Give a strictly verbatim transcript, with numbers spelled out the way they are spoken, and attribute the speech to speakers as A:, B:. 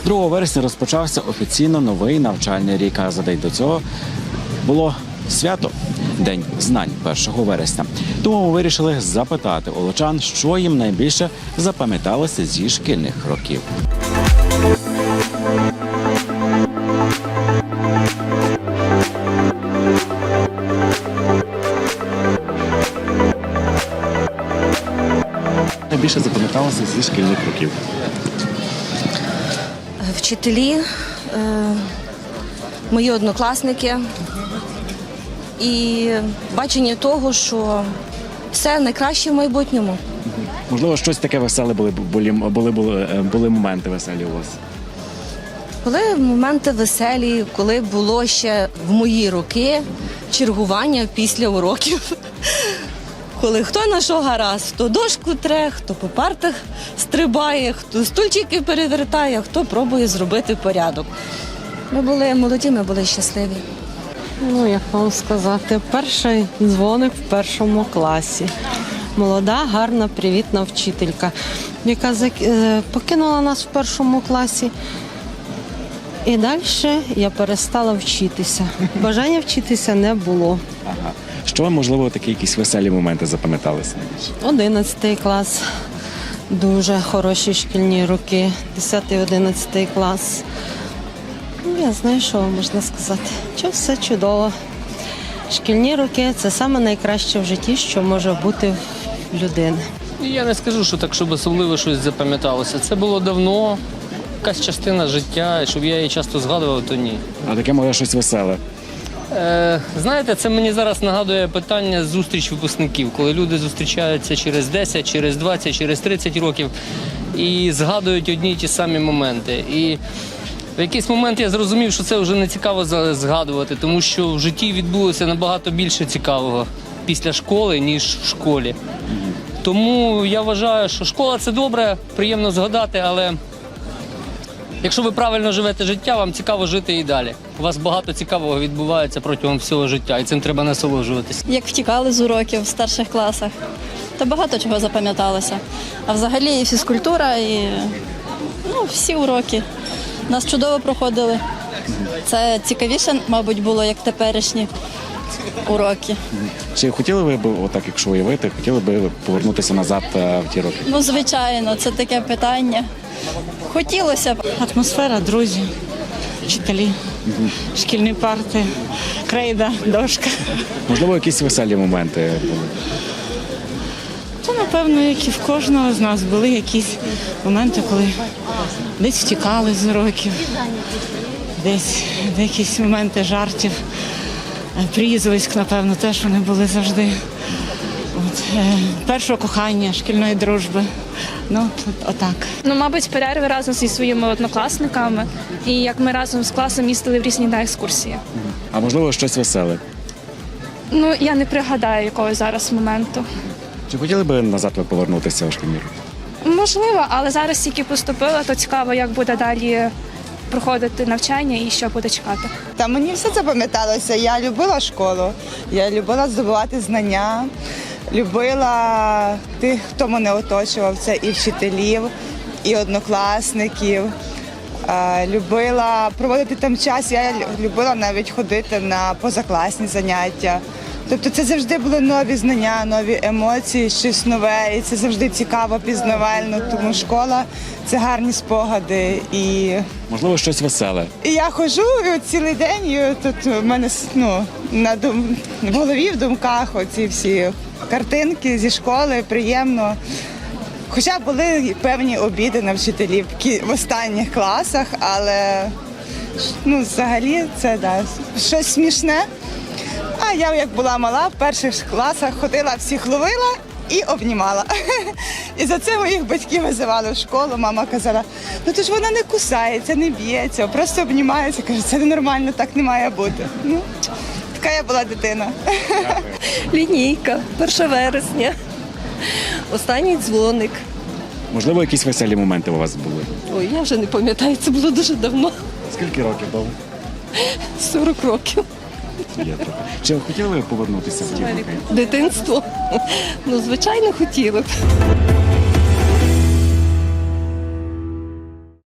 A: другого вересня розпочався офіційно новий навчальний рік, а за день до цього було свято – День знань першого вересня. Тому ми вирішили запитати олочан, що їм найбільше запам'яталося зі шкільних років. Найбільше запам'яталося зі шкільних років?
B: Вчителі, мої однокласники і бачення того, що все найкраще в майбутньому.
A: Можливо, щось таке веселе були, були, були, були, були моменти веселі у вас?
B: Були моменти веселі, коли було ще в мої роки чергування після уроків. Коли хто на що гаразд, хто дошку тре, хто по партах стрибає, хто стульчики перевертає, хто пробує зробити порядок. Ми були молоді, ми були щасливі.
C: Ну, як вам сказати, перший дзвоник в першому класі. Молода, гарна, привітна вчителька, яка покинула нас в першому класі. І далі я перестала вчитися. Бажання вчитися не було.
A: Ага. Що вам, можливо, такі якісь веселі моменти запам'яталися найбільше?
C: Одинадцятий клас. Дуже хороші шкільні роки. Десятий, одинадцятий клас. Я знаю, що можна сказати. Що все чудово. Шкільні роки – це саме найкраще в житті, що може бути в людини.
D: Я не скажу, що так, щоб особливо щось запам'яталося. Це було давно, якась частина життя, і щоб я її часто згадував, то ні.
A: А таке може щось веселе?
D: Е, знаєте, це мені зараз нагадує питання зустріч випускників, коли люди зустрічаються через десять, через двадцять, через тридцять років і згадують одні й ті самі моменти. І в якийсь момент я зрозумів, що це вже не цікаво згадувати, тому що в житті відбулося набагато більше цікавого після школи, ніж в школі. Тому я вважаю, що школа – це добре, приємно згадати, але якщо ви правильно живете життя, вам цікаво жити і далі. У вас багато цікавого відбувається протягом всього життя, і цим треба насолоджуватися.
E: Як втікали з уроків в старших класах, то багато чого запам'яталося. А взагалі і фізкультура, і ну, всі уроки нас чудово проходили. Це цікавіше, мабуть, було, як теперішні уроки.
A: Чи хотіли ви б, отак, якщо уявити, хотіли б повернутися назад в ті роки?
E: Ну, звичайно, це таке питання. Хотілося б.
F: Атмосфера, друзі, вчителі, угу. Шкільні парти, крейда, дошка.
A: Можливо, якісь веселі моменти були?
F: Це, напевно, як і в кожного з нас були якісь моменти, коли десь втікали з уроків, десь якісь моменти жартів, прізвиськ, напевно, теж вони були завжди. От, е, першого кохання, шкільної дружби. Ну, отак.
G: Ну, мабуть, перерви разом зі своїми однокласниками і як ми разом з класом їздили в різні на екскурсії.
A: А можливо, щось веселе?
G: Ну, я не пригадаю якогось зараз моменту.
A: Чи хотіли б назад ви повернутися у шкільні роки?
G: Можливо, але зараз тільки поступила, то цікаво, як буде далі проходити навчання і що буде чекати.
H: Та мені все запам'яталося. Я любила школу, я любила здобувати знання. Любила тих, хто мене оточував, це і вчителів, і однокласників. Любила проводити там час, я любила навіть ходити на позакласні заняття. Тобто це завжди були нові знання, нові емоції, щось нове, і це завжди цікаво, пізнавально, тому школа – це гарні спогади. І
A: можливо, щось веселе.
H: І я ходжу і цілий день, і тут в мене ну, на дум... в голові, в думках оці всі картинки зі школи, приємно. Хоча були певні обіди на вчителів в останніх класах, але ну, взагалі це да, щось смішне. А я, як була мала, в перших класах ходила, всіх ловила і обнімала. І за це моїх батьків визивали в школу. Мама казала, ну то ж вона не кусається, не б'ється, просто обнімається. Каже, це ненормально, так не має бути. Ну, така я була дитина.
B: Лінійка, перше вересня, останній дзвоник.
A: Можливо, якісь веселі моменти у вас були?
B: Ой, я вже не пам'ятаю, це було дуже давно.
A: Скільки років було?
B: сорок років.
A: Є трохи. Чи хотіли ви повернутися в ті роки?
B: Дитинство? Ну, звичайно, хотіли б.